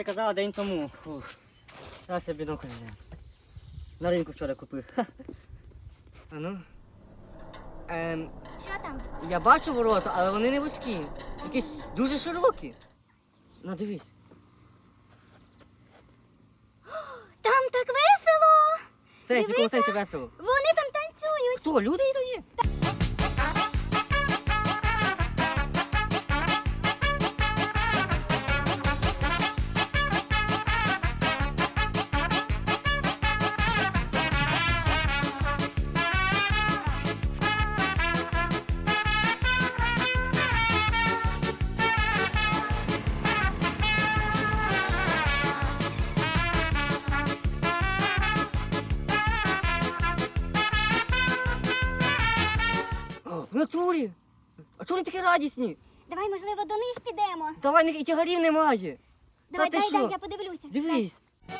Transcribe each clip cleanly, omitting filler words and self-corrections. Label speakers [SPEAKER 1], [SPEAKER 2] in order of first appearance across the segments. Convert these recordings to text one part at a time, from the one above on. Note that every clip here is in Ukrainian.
[SPEAKER 1] казала день тому. Фух. Зараз я бінокль взяв. На ринку вчора купив. А ну.
[SPEAKER 2] Що там?
[SPEAKER 1] Я бачу ворота, але вони не вузькі. Якісь дуже широкі. Ну дивись.
[SPEAKER 2] Там так весело!
[SPEAKER 1] Це
[SPEAKER 2] Дивися.
[SPEAKER 1] якого сенсі весело.
[SPEAKER 2] Вони там танцюють!
[SPEAKER 1] Хто? Люди йдуть? В натурі. А чого вони такі радісні?
[SPEAKER 2] Давай, можливо, до них підемо.
[SPEAKER 1] Давай, них і тягарів немає.
[SPEAKER 2] Давай,
[SPEAKER 1] ти
[SPEAKER 2] дай,
[SPEAKER 1] що?
[SPEAKER 2] я подивлюся.
[SPEAKER 1] Дивись.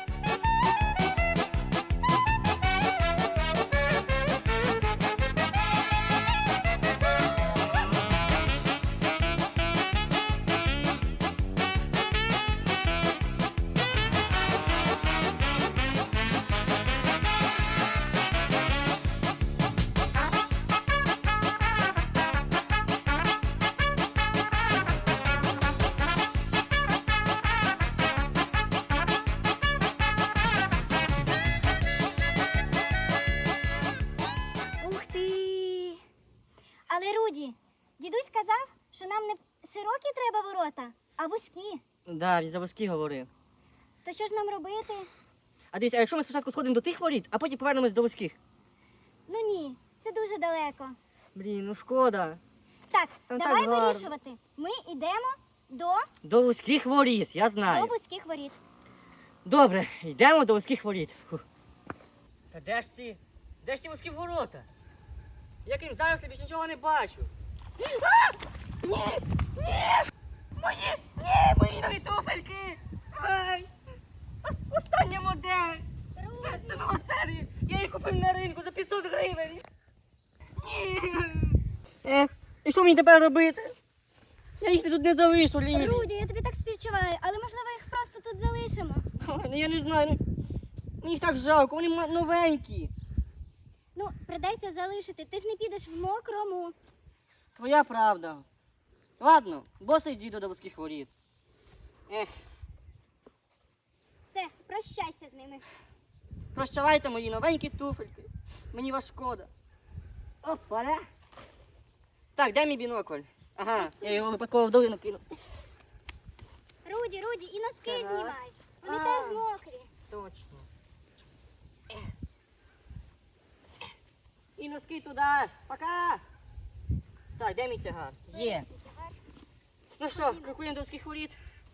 [SPEAKER 2] Ух ти! Але, Руді, дідусь казав, що нам не широкі треба ворота, а вузькі.
[SPEAKER 1] Да, він за вузькі говорив.
[SPEAKER 2] То що ж нам робити?
[SPEAKER 1] А дивись, а якщо ми спочатку сходимо до тих воріт, а потім повернемось до вузьких?
[SPEAKER 2] Ну ні, це дуже далеко.
[SPEAKER 1] Блін, ну шкода.
[SPEAKER 2] Так,
[SPEAKER 1] Там
[SPEAKER 2] давай
[SPEAKER 1] так гарно.
[SPEAKER 2] вирішувати. Ми йдемо до
[SPEAKER 1] До вузьких воріт, я знаю.
[SPEAKER 2] вузьких воріт.
[SPEAKER 1] Добре, йдемо до вузьких воріт. Фух. Та де ж ці? Де ж ті вузькі ворота? Я крім зараз більше нічого не бачу. Мої нові туфельки! Ай! Остання модель! Це нова серія! Я їх купив на ринку за 500 гривень! Ні! Ех, і що мені тепер робити? Я їх тут не залишу, Лілі!
[SPEAKER 2] Руді, я тобі так співчуваю, але можливо їх просто тут залишимо.
[SPEAKER 1] Ой, ну я не знаю, мені їх так жалко, вони новенькі.
[SPEAKER 2] Ну, придеться залишити, ти ж не підеш в мокрому.
[SPEAKER 1] Твоя правда. Ладно, босий діду до вузьких воріт. Ех,
[SPEAKER 2] Все, прощайся з ними.
[SPEAKER 1] прощавайте мої новенькі туфельки. Мені вас шкода. Опа. Так, де мій бінокль? Ага, я його випадково в долину кинув.
[SPEAKER 2] Руді, і носки
[SPEAKER 1] Ага.
[SPEAKER 2] знімай. Вони
[SPEAKER 1] А.
[SPEAKER 2] теж мокрі.
[SPEAKER 1] Точно. І носки туди. Пока. Так, де мій тягар? Є. Ну що, крокуємо до вузьких воріт.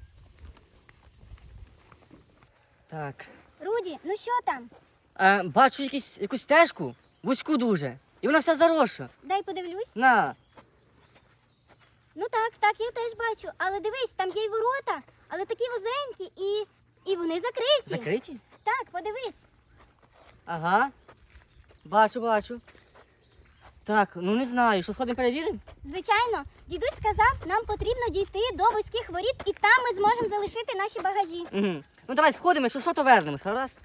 [SPEAKER 1] Так.
[SPEAKER 2] Руді, ну що там?
[SPEAKER 1] Бачу якусь стежку, вузьку дуже. І вона вся заросша.
[SPEAKER 2] Дай подивлюсь.
[SPEAKER 1] На.
[SPEAKER 2] Ну так, я теж бачу. Але дивись, там є й ворота, але такі вузенькі і вони закриті.
[SPEAKER 1] Закриті?
[SPEAKER 2] Так, подивись.
[SPEAKER 1] Ага. Бачу. Так, ну не знаю, що сходимо перевіримо?
[SPEAKER 2] Звичайно, дідусь сказав, нам потрібно дійти до вузьких воріт, і там ми зможемо залишити наші багажі.
[SPEAKER 1] Угу. Ну давай сходимо, якщо що, то вернемось, гаразд?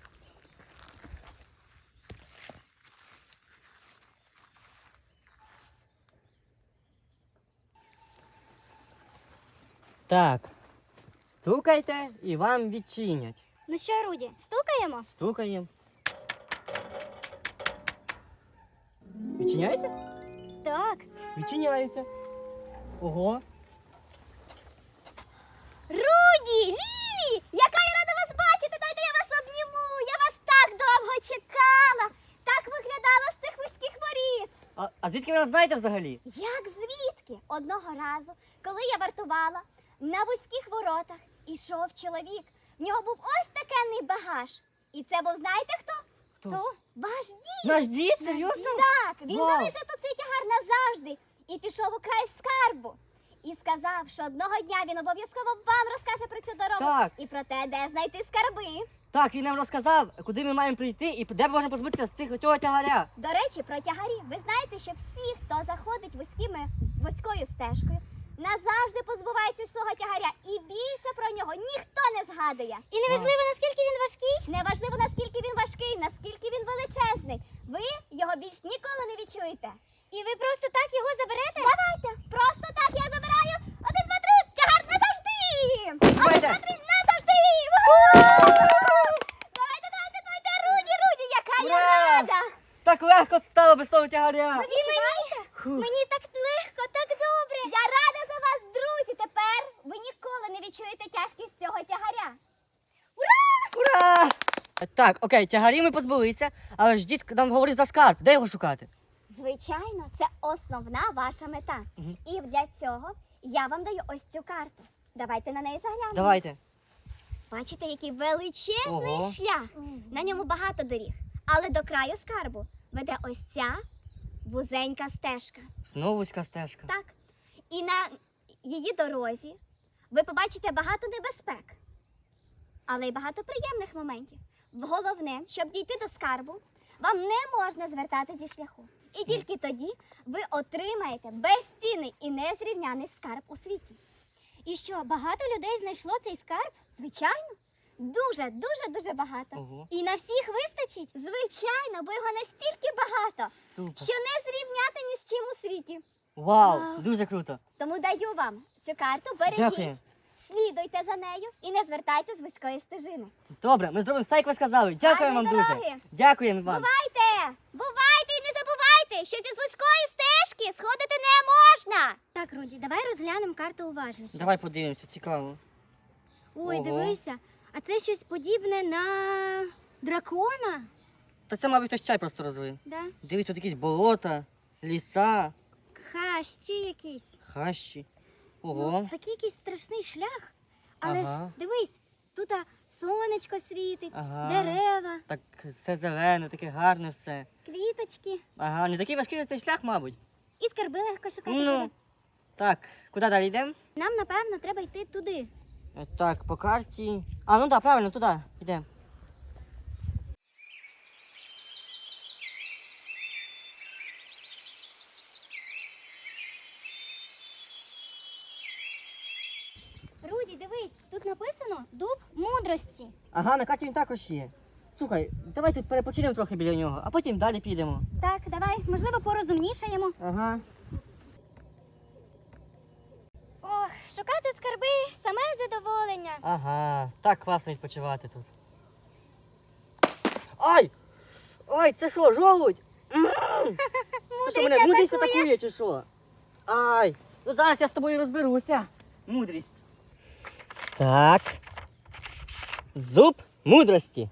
[SPEAKER 1] Так. Стукайте і вам відчинять.
[SPEAKER 2] Ну що, Руді, стукаємо?
[SPEAKER 1] Стукаємо. Відчиняється?
[SPEAKER 2] Так.
[SPEAKER 1] Відчиняється. Ого.
[SPEAKER 2] Руді, Лілі, яка я рада вас бачити, дайте я вас обніму. Я вас так довго чекала. Так виглядала з цих вузьких воріт.
[SPEAKER 1] А звідки ви нас знаєте взагалі?
[SPEAKER 2] Як звідки? Одного разу, коли я вартувала, на вузьких воротах ішов чоловік. В нього був ось такенний багаж. І це був, знаєте хто?
[SPEAKER 1] Хто?
[SPEAKER 2] Хто? Ваш дід.
[SPEAKER 1] Наш дід? Серйозно?
[SPEAKER 2] Так, він
[SPEAKER 1] Вау.
[SPEAKER 2] залишив тут цей тягар назавжди і пішов у край скарбу. І сказав, що одного дня він обов'язково вам розкаже про цю дорогу
[SPEAKER 1] Так.
[SPEAKER 2] і про те, де знайти скарби.
[SPEAKER 1] Так, він нам розказав, куди ми маємо прийти і де можна позбутися з цього тягаря.
[SPEAKER 2] До речі, про тягарі. Ви знаєте, що всі, хто заходить вузькою стежкою, назавжди позбувається свого тягаря і більше про нього ніхто не згадує.
[SPEAKER 3] І неважливо, наскільки він важкий.
[SPEAKER 2] Неважливо, наскільки він важкий, наскільки він величезний. Ви його більш ніколи не відчуєте.
[SPEAKER 3] І ви просто так його заберете?
[SPEAKER 2] Давайте, просто так я забираю. 1, 2, 3, тягар назавжди! 1, 2, 3, назавжди! Давайте, Руді, яка я
[SPEAKER 1] Ура!
[SPEAKER 2] рада!
[SPEAKER 1] Так легко стало без того тягаря.
[SPEAKER 2] Ви відчуваєте?
[SPEAKER 3] Мені так легко, так добре.
[SPEAKER 2] Я рада за вас, друзі. Тепер ви ніколи не відчуєте тяжкість цього тягаря.
[SPEAKER 1] Ура! Так, окей, тягарі ми позбулися, але ж дід нам говорить за скарб. Де його шукати?
[SPEAKER 2] Звичайно, це основна ваша мета.
[SPEAKER 1] Мгм.
[SPEAKER 2] І для цього я вам даю ось цю карту. Давайте на неї заглянемо.
[SPEAKER 1] Давайте.
[SPEAKER 2] Бачите, який величезний
[SPEAKER 1] Ого.
[SPEAKER 2] шлях. На ньому багато доріг. Але до краю скарбу веде ось ця вузенька стежка.
[SPEAKER 1] Знову вузька стежка.
[SPEAKER 2] Так. І на її дорозі ви побачите багато небезпек, але й багато приємних моментів. Головне, щоб дійти до скарбу, вам не можна звертати зі шляху. І тільки тоді ви отримаєте безцінний і незрівняний скарб у світі.
[SPEAKER 3] І що, багато людей знайшло цей скарб?
[SPEAKER 2] Звичайно, дуже багато.
[SPEAKER 1] Ого.
[SPEAKER 3] І на всіх вистачить?
[SPEAKER 2] Звичайно, бо його настільки багато,
[SPEAKER 1] Супер.
[SPEAKER 2] що не зрівняти ні з чим у світі.
[SPEAKER 1] Вау,
[SPEAKER 3] Вау.
[SPEAKER 1] дуже круто.
[SPEAKER 2] Тому даю вам цю карту, бережіть,
[SPEAKER 1] Дякую.
[SPEAKER 2] слідуйте за нею і не звертайте з вузької стежини.
[SPEAKER 1] Добре, ми зробимо все, як ви сказали. Дякуємо вам,
[SPEAKER 2] Гарної
[SPEAKER 1] друзі.
[SPEAKER 2] дороги.
[SPEAKER 1] Дякуємо вам.
[SPEAKER 2] Бувайте і не забувайте, що зі вузької стежки сходити не можна.
[SPEAKER 3] Так, Руді, давай розглянемо карту уважніше.
[SPEAKER 1] Давай подивимося, цікаво.
[SPEAKER 3] Ой,
[SPEAKER 1] Ого.
[SPEAKER 3] дивися, а це щось подібне на дракона?
[SPEAKER 1] Та це, мабуть, хтось чай просто розлив.
[SPEAKER 3] Да?
[SPEAKER 1] Дивись, тут якісь болота, ліса,
[SPEAKER 3] Хащі якісь.
[SPEAKER 1] хащі.
[SPEAKER 3] Ну,
[SPEAKER 1] Ого.
[SPEAKER 3] такий якийсь страшний шлях. Але
[SPEAKER 1] Ага.
[SPEAKER 3] ж дивись, тут сонечко світить,
[SPEAKER 1] Ага.
[SPEAKER 3] дерева,
[SPEAKER 1] Так все зелене, таке гарне все.
[SPEAKER 3] квіточки.
[SPEAKER 1] Ага, не такий важкий цей шлях, мабуть.
[SPEAKER 3] І скарби легко шукати
[SPEAKER 1] Ну,
[SPEAKER 3] буде.
[SPEAKER 1] так, куди далі йдемо?
[SPEAKER 3] Нам, напевно, треба йти туди.
[SPEAKER 1] Так, по карті. А, ну так, правильно, туди йдемо.
[SPEAKER 3] Руді, дивись, тут написано дуб мудрості.
[SPEAKER 1] Ага, на карті він також є. Слухай, давай тут перепочинемо трохи біля нього, а потім далі підемо.
[SPEAKER 3] Так, давай, можливо, порозумнішаємо.
[SPEAKER 1] Ага.
[SPEAKER 3] Ох, шукати скарби саме задоволення.
[SPEAKER 1] Ага, так класно відпочивати тут. Ай! Ой, це що, жолудь? Це що, мене мудрість атакує чи що? Ай! Ну зараз я з тобою розберуся. Мудрість. Так. Зуб мудрості.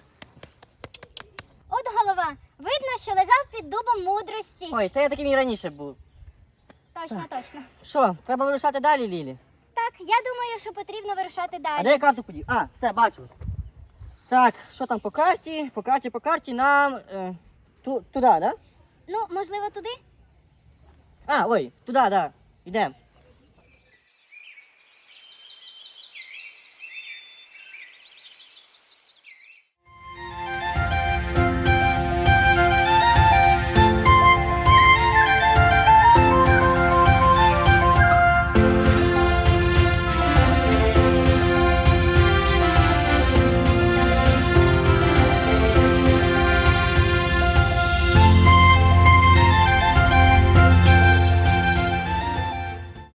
[SPEAKER 3] От голова, видно, що лежав під дубом мудрості.
[SPEAKER 1] Ой, та я таким і раніше був.
[SPEAKER 3] Точно, точно.
[SPEAKER 1] Що, треба вирушати далі, Лілі?
[SPEAKER 3] Так, я думаю, що потрібно вирушати
[SPEAKER 1] А
[SPEAKER 3] далі.
[SPEAKER 1] де я карту подів? А, все, бачу. Так, що там по карті? По карті нам туди, да?
[SPEAKER 3] Ну, можливо, туди?
[SPEAKER 1] А, ой, туди, да. Йдемо.